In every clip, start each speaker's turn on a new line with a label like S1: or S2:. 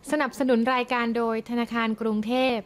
S1: สนับสนุนรายการโดยธนาคารกรุงเทพ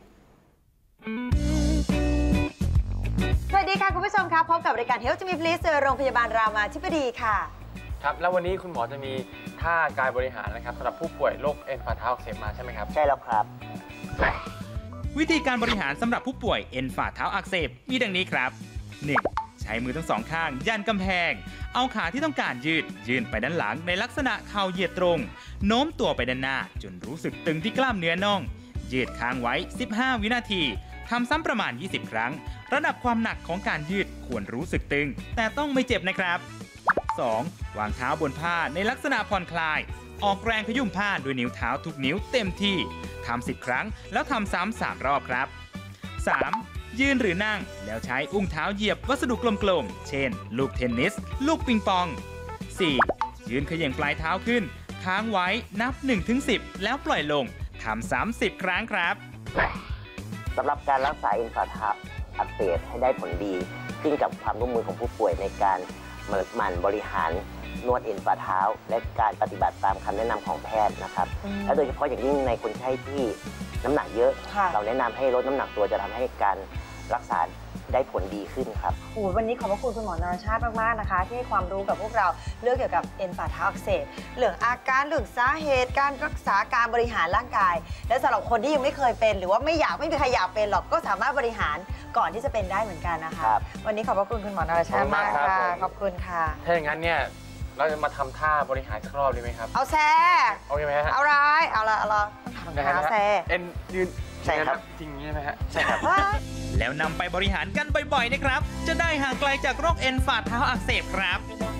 S2: สวัสดีค่ะคุณผู้ชมครับพบกับรายการ Health to Me Please โรงพยาบาลรามาธิบดีค่ะ
S3: ครับแล้ววันนี้คุณหมอจะมีท่ากายบริหารนะครับสำหรับผู้ป่วยโรคเอ็นฝ่าเท้าอักเสบมาใช่ไหมครับ
S4: ใช่แล้วครับ
S5: วิธีการบริหารสำหรับผู้ป่วยเอ็นฝ่าเท้าอักเสบมีดังนี้ครับ 1. ใช้มือทั้งสองข้างยันกำแพงเอาขาที่ต้องการยื่นไปด้านหลังในลักษณะเข่าเหยียดตรงโน้มตัวไปด้านหน้าจนรู้สึกตึงที่กล้ามเนื้อน่องยืดค้างไว้15 วินาทีทำซ้ำประมาณ20 ครั้งระดับความหนักของการยืดควรรู้สึกตึงแต่ต้องไม่เจ็บนะครับ 2. วางเท้าบนผ้าในลักษณะผ่อนคลายออกแรงขยุ่มผ้าด้วยนิ้วเท้าทุกนิ้วเต็มที่ทำ10 ครั้งแล้วทำซ้ำ3 รอบครับ 3. ยืนหรือนั่งแล้วใช้อุ้งเท้าเหยียบวัสดุกลมๆเช่นลูกเทนนิสลูกปิงปอง 4. ยืนเขย่งปลายเท้าขึ้นค้างไว้นับ 1-10 แล้วปล่อยลงทำ30 ครั้งครับ
S4: สำหรับการรักษาเอ็นฝ่าเท้าอักเสบให้ได้ผลดีขึ้นกับความร่วมมือของผู้ป่วยในการหมั่นบริหารนวดเอ็นฝ่าเท้าและการปฏิบัติตามคำแนะนำของแพทย์นะครับและโดยเฉพาะอย่างยิ่งในคนไข้ที่น้ำหนักเยอะเราแนะนำให้ลดน้ำหนักตัวจะทำให้การรักษาได้ผลดีขึ้นครับ
S2: วันนี้ขอบพระคุณคุณหมอนรชาติมากๆนะคะที่ให้ความรู้กับพวกเราเรื่องเกี่ยวกับเอ็นฝ่าเท้าอักเสบเรื่องอาการเรื่องสาเหตุการรักษาการบริหารร่างกายและสำหรับคนที่ยังไม่เคยเป็นหรือว่าไม่มีใครอยากเป็นหรอกก็สามารถบริหารก่อนที่จะเป็นได้เหมือนกันนะคะวันนี้ขอบพระคุณคุณหมอนรชาติมากค่ะขอบคุณค่ะ
S3: ถ้าอย่างนั้นเนี่ยเราจะมาทำท่าบริหารสักรอบดีไหมครับ
S2: เอาแซ่
S3: โอเคไหมฮะ
S2: เอาร้ายเอาละต้องถามแซ่
S3: เอ็นยืน
S4: ใช่ครับ
S3: จริงใช่ไหมฮะ
S4: ใช่ครับ
S5: แล้วนำไปบริหารกันบ่อยๆนะครับจะได้ห่างไกลจากโรคเอ็นฝ่าเท้าอักเสบครับ